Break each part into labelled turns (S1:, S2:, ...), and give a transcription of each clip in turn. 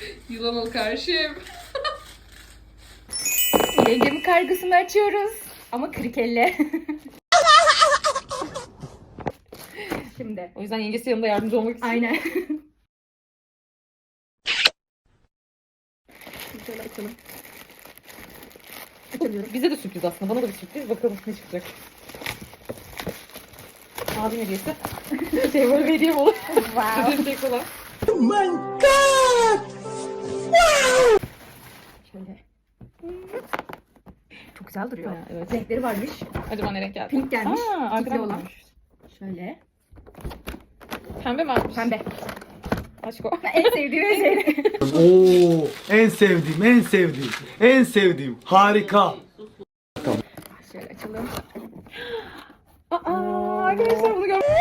S1: Yılan ol karşım.
S2: Yengemin kargısını açıyoruz. Ama kırık elle. Şimdi.
S1: O yüzden yengesi yanında yardımcı olmak için.
S2: Aynen. Şöyle açalım. Açamıyorum.
S1: Bize de sürpriz aslında. Bana da bir sürpriz. Bakalım ne çıkacak. Abim hediyesi. Şey böyle bir hediye olur.
S2: Wow.
S1: Ödeyecek olan.
S2: Şöyle. Çok güzel duruyor.
S1: Ha, evet.
S2: Renkleri varmış.
S1: Acaba ne renk geldi?
S2: Pink gelmiş.
S1: Aa,
S2: Tikli
S1: arkadan
S2: olan.
S1: gelmiş.
S2: Şöyle.
S1: Pembe mi almış?
S2: Pembe.
S1: Aşk o.
S2: En sevdiğim şey.
S3: Oo, en sevdiğim, en sevdiğim, en sevdiğim. Harika.
S2: Şöyle açalım.
S1: Aa, arkadaşlar bunu görmemiz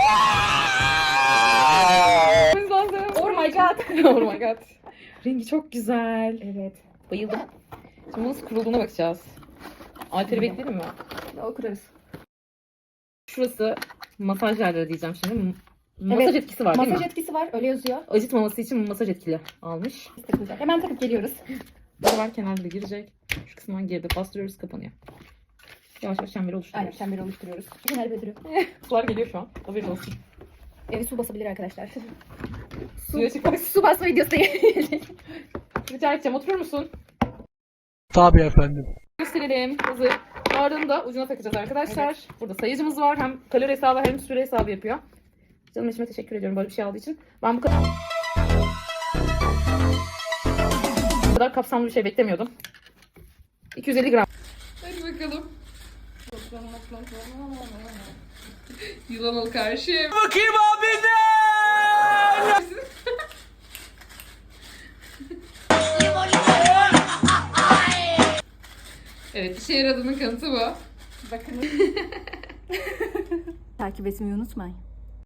S1: lazım.
S2: Oh my god.
S1: Oh my god. Rengi çok güzel.
S2: Evet.
S1: Bayıldım. Şimdi nasıl kurulduğuna bakacağız. Alteri bekleyelim mi?
S2: O kurarız.
S1: Şurası masaj yerleri diyeceğim şimdi. Masaj
S2: Evet,
S1: etkisi var değil
S2: Masaj
S1: mi?
S2: etkisi var. Öyle yazıyor.
S1: Acıtmaması için masaj etkili almış.
S2: Takılacak. Hemen takıp geliyoruz.
S1: Bu var kenarda girecek. Şu kısmından girdi. Bastırıyoruz, kapanıyor. Yavaş yavaş çemberi
S2: Aynen
S1: oluşturuyoruz.
S2: çemberi oluşturuyoruz. Genel bedürü.
S1: Sular geliyor şu an. Haberin olsun.
S2: Evi su basabilir arkadaşlar.
S1: Suya çıkmak.
S2: Su basma videosu gelecek.
S1: Rica edeceğim. Oturur musun?
S4: Tabii efendim.
S1: Gösterelim. Hazır. Ardını da ucuna takacağız arkadaşlar. Burada sayıcımız var. Hem kalori hesabı hem süre hesabı yapıyor. Canım eşime teşekkür ediyorum böyle bir şey aldığı için. Ben bu kadar kapsamlı bir şey beklemiyordum. 250 gram. Hadi bakalım. Yılan ol karşım.
S3: Bakayım abi ne?
S1: Evet, işe yaradığının kanıtı bu.
S2: Bakın. Takip etmeyi unutmayın.